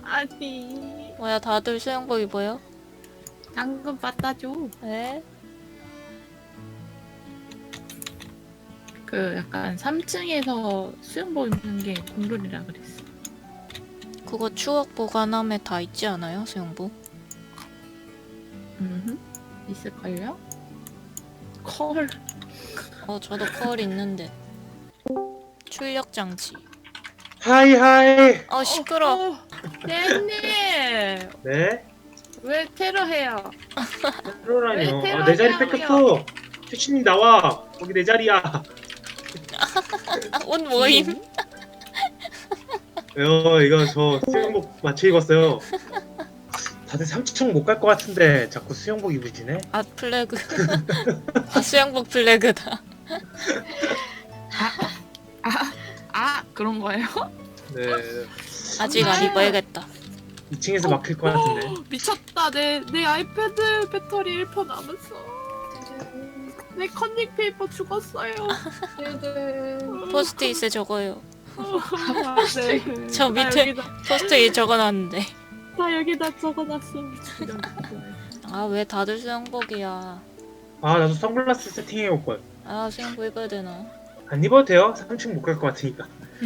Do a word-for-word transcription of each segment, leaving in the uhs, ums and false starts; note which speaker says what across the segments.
Speaker 1: 아니
Speaker 2: 뭐야 다들 수영복 입어요?
Speaker 1: 당근 갖다 줘.
Speaker 2: 네?
Speaker 1: 그 약간 삼 층에서 수영복 입는 게 공룰이라 그랬어.
Speaker 2: 그거 추억 보관함에 다 있지 않아요 수영복?
Speaker 1: 음, 있을걸요? 컬.
Speaker 2: 어 저도 컬 있는데. 출력 장치.
Speaker 3: 하이 하이.
Speaker 2: 어 시끄러.
Speaker 1: 어, 어, 님
Speaker 3: 네?
Speaker 1: 왜 테러해요?
Speaker 3: 테러라뇨.
Speaker 1: 왜
Speaker 3: 아, 내 자리
Speaker 1: 테러냐고요?
Speaker 3: 뺏겼어. 최신님 나와. 거기 내 자리야.
Speaker 2: 아, 옷 모임.
Speaker 3: 어, 이거 저 수영복 맞춰 입었어요. 다들 삼 층 못 갈 것 같은데 자꾸 수영복 입으시네.
Speaker 2: 아 플래그. 아 수영복 플래그다.
Speaker 1: 아 그런 거예요?
Speaker 3: 네.
Speaker 2: 아직 안 입어야겠다.
Speaker 3: 이 층에서 막힐 것 같은데.
Speaker 1: 미쳤다. 내, 내 아이패드 배터리 일 퍼센트 남았어. 내 컨닝 페이퍼 죽었어요.
Speaker 2: 포스트잇에 적어요.
Speaker 1: 아, 네.
Speaker 2: 저
Speaker 1: 나
Speaker 2: 밑에
Speaker 1: 여기다,
Speaker 2: 포스트잇 적어놨는데.
Speaker 1: 나 여기다 적어놨어.
Speaker 2: 아 왜 다들 수영복이야.
Speaker 3: 아, 나도 선글라스 세팅해 올 걸.
Speaker 2: 아 수영복 입어야 되나.
Speaker 3: 안 입어도 돼요. 삼 층 못 갈 것 같으니까.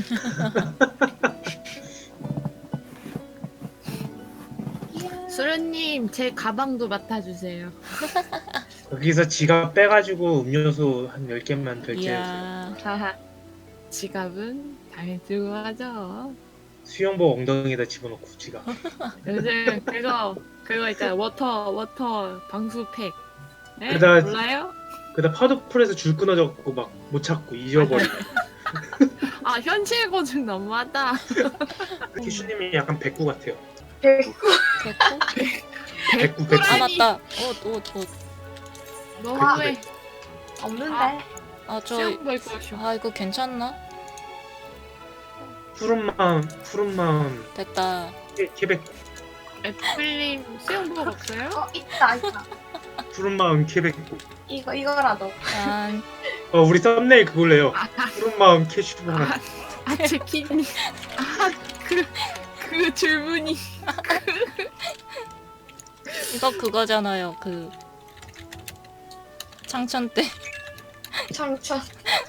Speaker 1: 수련님 제 가방도 맡아주세요.
Speaker 3: 거기서 지갑 빼가지고 음료수 한 열 개만 결제해주세요.
Speaker 2: 이야.
Speaker 1: 하하. 지갑은 당연히 들고 가죠.
Speaker 3: 수영복 엉덩이에다 집어넣고 지갑.
Speaker 1: 요즘 그거 그거 있잖아. 워터 워터 방수팩. 네?
Speaker 3: 그다-
Speaker 1: 몰라요?
Speaker 3: 그다 파도풀에서 줄 끊어져갖고 막 못 찾고 잊어버리고.
Speaker 1: 아 현실 고증 너무하다.
Speaker 3: 키슈님이 약간 백구 같아요.
Speaker 2: 됐고?
Speaker 3: 백구 백구.
Speaker 2: 아 맞다. 옷 옷 옷.
Speaker 1: 너무해.
Speaker 4: 없는데.
Speaker 2: 아저
Speaker 1: 수영복 입고 오셔.
Speaker 2: 아 이거 괜찮나?
Speaker 3: 푸른 마음, 푸른 마음,
Speaker 2: 됐다.
Speaker 3: 케- 케백.
Speaker 1: 애플님 수영복 없어요?
Speaker 4: 어 있다 있다.
Speaker 3: 푸른 마음 케백구.
Speaker 4: 이거 이거라도.
Speaker 2: 짠.
Speaker 3: 어, 우리 썸네일 그걸래요. 푸른 마음 캐슈 하나.
Speaker 1: 아 제키님. 아그그 줄무늬.
Speaker 2: 이거 그거잖아요. 그 창천 때
Speaker 4: 참참.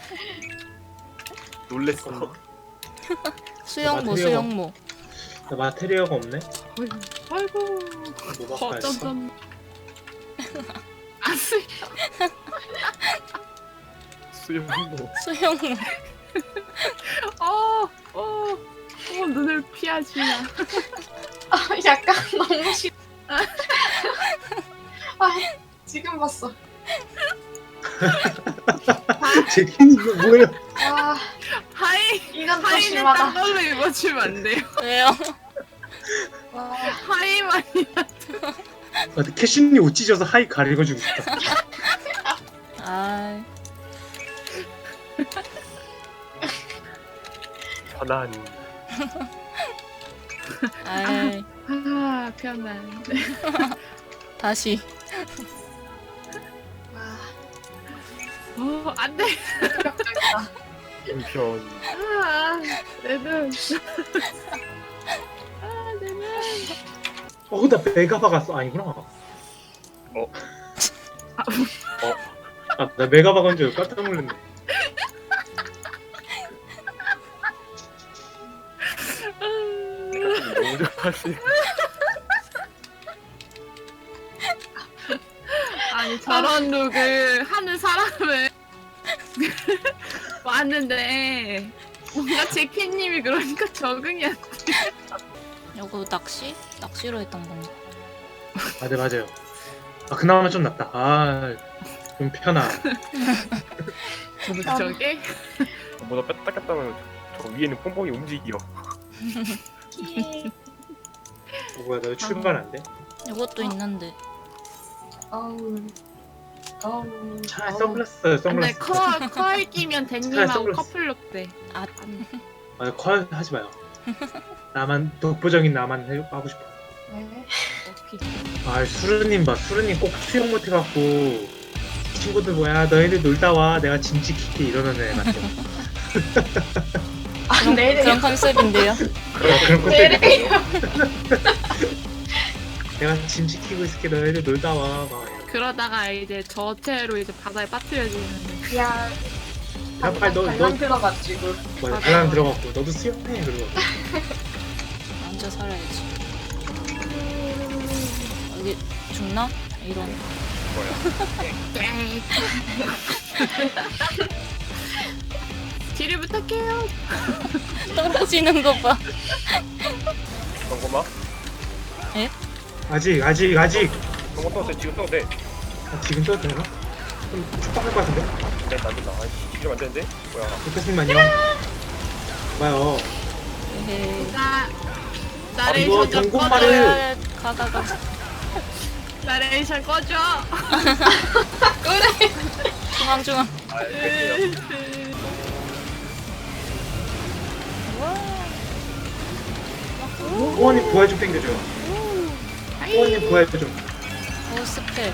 Speaker 5: 놀랬어.
Speaker 2: 수영모
Speaker 3: 마테리얼.
Speaker 2: 수영모.
Speaker 3: 나 마테리어가 없네.
Speaker 1: 아이고.
Speaker 3: 뭐 바꿔야지.
Speaker 1: 어쩌전. 아스.
Speaker 5: 수영복.
Speaker 2: 수영모.
Speaker 1: 어, 어, 어, 눈을 피하지 마.
Speaker 4: 아 약간 너무 싫. 아 지금 봤어.
Speaker 3: 제키님 이거 뭐예요?
Speaker 4: 아
Speaker 1: 하이,
Speaker 4: 이건 또
Speaker 1: 하이는
Speaker 4: 심하다.
Speaker 1: 딴 걸로 입어주면 안 돼요.
Speaker 2: 왜요?
Speaker 4: 와
Speaker 1: 하이만.
Speaker 3: 아, 캐슈님 옷 찢어서 하이 가리고주고 싶다.
Speaker 2: 아
Speaker 5: 편안.
Speaker 2: 아이
Speaker 1: 아, 편안.
Speaker 2: 다시.
Speaker 4: 와.
Speaker 1: 어, 안 돼.
Speaker 4: 충격적이다.
Speaker 5: 편편.
Speaker 1: 아, 내 눈. 아, 내 눈.
Speaker 3: 어, 나 메가 박았어. 아니구나.
Speaker 5: 어?
Speaker 3: 아, 나 메가 박은 줄 깜짝 놀랐네.
Speaker 5: 너무 좋아하시.
Speaker 1: 아니, 저런 룩을 하는 사람을 왔는데, 뭔가 제키님이 그러니까 적응이 안 돼.
Speaker 2: 이거 낚시? 낚시로 했던 건가?
Speaker 3: 아, 네, 맞아요. 아, 그나마 좀 낫다. 아, 좀 편하.
Speaker 1: 저게?
Speaker 5: 뭐다 뺐다 뺐다 하면 저 위에는 뽕뽕이 움직여.
Speaker 3: 어, 뭐야, 나 왜 출발 안 돼?
Speaker 2: 이것도 있는데.
Speaker 4: 어우. 어우.
Speaker 3: 차라리
Speaker 4: 어우.
Speaker 3: 선글라스 써요,
Speaker 1: 근데
Speaker 3: 선글라스.
Speaker 1: 커, 커 끼면 댄님하고
Speaker 3: 선글라스.
Speaker 1: 커플룩 돼.
Speaker 2: 아
Speaker 3: 아, 컬 하지 마요. 나만, 독보적인 나만 해, 하고 싶어.
Speaker 4: 네.
Speaker 1: 오케이.
Speaker 3: 아, 수르님 봐. 수르님 꼭 수영 못해갖고 친구들 뭐야, 너희들 놀다 와. 내가 짐 지킬게 이러는 애 같아.
Speaker 4: 아,
Speaker 2: 그런,
Speaker 4: 내일이에요.
Speaker 2: 그런 컨셉인데요.
Speaker 3: 그런 그런 컨셉.
Speaker 4: 내일이에요.
Speaker 3: 내가 짐 지키고 있을게 너희들 놀다 와. 막 이러고.
Speaker 1: 그러다가 이제 저체로 이제 바다에 빠뜨려지는.
Speaker 4: 그냥
Speaker 3: 야, 빨리 너-
Speaker 4: 발랑
Speaker 3: 너-
Speaker 4: 들어가지고.
Speaker 3: 맞아,
Speaker 1: 맞아.
Speaker 3: 바람 들어갔고 너도 수영해 그러고.
Speaker 2: 앉아 살아야지. 여기 죽나? 이런.
Speaker 1: 뒤를 부탁해요.
Speaker 2: 떨어지는 거 봐.
Speaker 5: 잠깐만.
Speaker 3: 아직 아직 아직.
Speaker 5: 저거 써도 돼. 지금 써도 돼.
Speaker 3: 아, 지금 써도 되나? 좀 축박할 것 같은데?
Speaker 5: 네, 안 된다. 아니, 이러면 안 되는데? 뭐야.
Speaker 3: lucas님만요. 봐요.
Speaker 2: 에헤이.
Speaker 1: 나
Speaker 3: 이거
Speaker 1: 나레이션 좀
Speaker 3: 경고말을-
Speaker 1: 꺼줘.
Speaker 2: 가가 가.
Speaker 1: 나레이션 꺼줘.
Speaker 2: 중앙 중앙.
Speaker 5: 아, 됐어요.
Speaker 3: 호원님 부활 좀 땡겨줘요. 호원님 부활 좀.
Speaker 2: 오 스펠.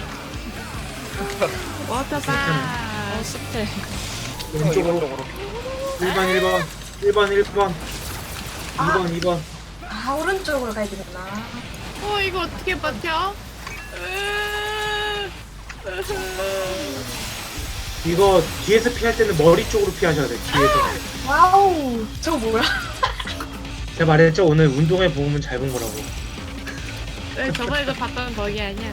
Speaker 1: 워터바.
Speaker 2: 오 스펠.
Speaker 3: 왼쪽으로.
Speaker 5: 이쪽으로.
Speaker 3: 일 번 일 번 일 번 일 번 이 번 이 번.
Speaker 4: 아, 오른쪽으로 가야 되겠나?
Speaker 1: 어 이거 어떻게 버텨? 으-
Speaker 3: 이거 뒤에서 피할 때는 머리 쪽으로 피하셔야 돼. 뒤에서.
Speaker 4: 와우, 저거 뭐야?
Speaker 3: 제가 말했죠 오늘 운동회 보면 잘 본 거라고.
Speaker 1: 왜 저번에도 봤던 거기 아니야?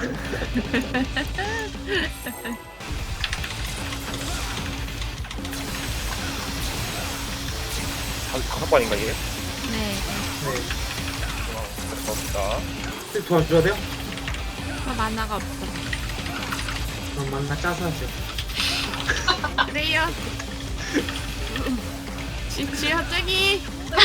Speaker 5: 다- 다섯 번인가, 이게?
Speaker 1: 네.
Speaker 3: 네.
Speaker 5: 어, 고맙다.
Speaker 3: 혹시 도와줘야 돼요?
Speaker 1: 저 만화가 없어.
Speaker 3: 그럼 만나 짜서 하죠.
Speaker 1: 그래요. 지치 갑자기.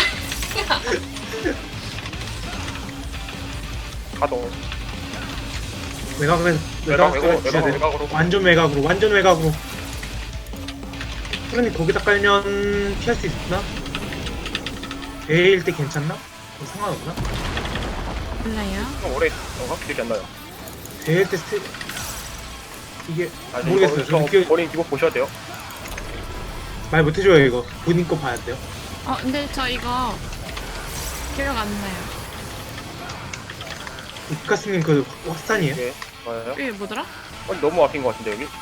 Speaker 5: 가동.
Speaker 3: 외곽은
Speaker 5: 외곽,
Speaker 3: 외곽
Speaker 5: 외곽,
Speaker 3: 주셔야
Speaker 5: 외곽,
Speaker 3: 돼요.
Speaker 5: 외곽으로.
Speaker 3: 완전 외곽으로 완전 외곽으로. 그러니 거기다 깔면 피할 수 있나? 대일 때 괜찮나? 뭐 상관없나?
Speaker 1: 몰라요.
Speaker 5: 좀 오래, 어, 기억이 안 나요.
Speaker 3: 대일 때 스틸 이게
Speaker 5: 아,
Speaker 3: 모르겠어요.
Speaker 5: 이거,
Speaker 3: 저는
Speaker 5: 저
Speaker 3: 기억
Speaker 5: 본인 기록 보셔야 돼요.
Speaker 3: 말 못해줘요 이거. 본인 거 봐야 돼요.
Speaker 1: 어 근데 저 이거 기억 안 나요.
Speaker 3: 이카스님 그 확산이에요?
Speaker 5: 예, 맞아요.
Speaker 1: 이게 뭐더라?
Speaker 5: 어, 너무 아낀 것 같은데, 여기?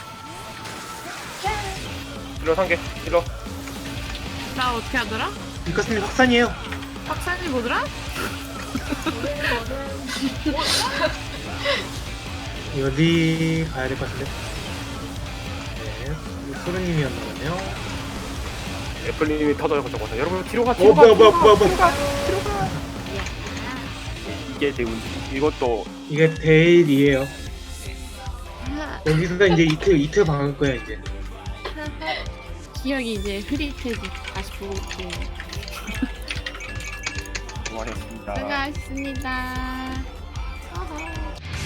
Speaker 5: 힐러 한 개, 힐러.
Speaker 1: 나 어떻게 하더라?
Speaker 3: 이카스님 확산이에요.
Speaker 1: 확산이 뭐더라?
Speaker 3: 이거 리 가야 될 것 같은데. 네, 소르님이었나 보네요.
Speaker 5: 애플님이 터져서 적어서. 여러분, 뒤로 가,
Speaker 3: 어
Speaker 5: 뒤로 가.
Speaker 3: 뭐야 뭐야
Speaker 5: 뒤로 가,
Speaker 3: 뭐야
Speaker 5: 뒤로
Speaker 3: 뭐야.
Speaker 5: 가, 뒤로 가. 이게 제 운지. 이것도
Speaker 3: 이게 데일이에요. 여기서 이제 이틀 이틀 박을 거야 이제.
Speaker 1: 기억이 이제 흐릿해지. 다시 보고 올게요.
Speaker 5: 그만했습니다.
Speaker 1: 수고하셨습니다. 어허.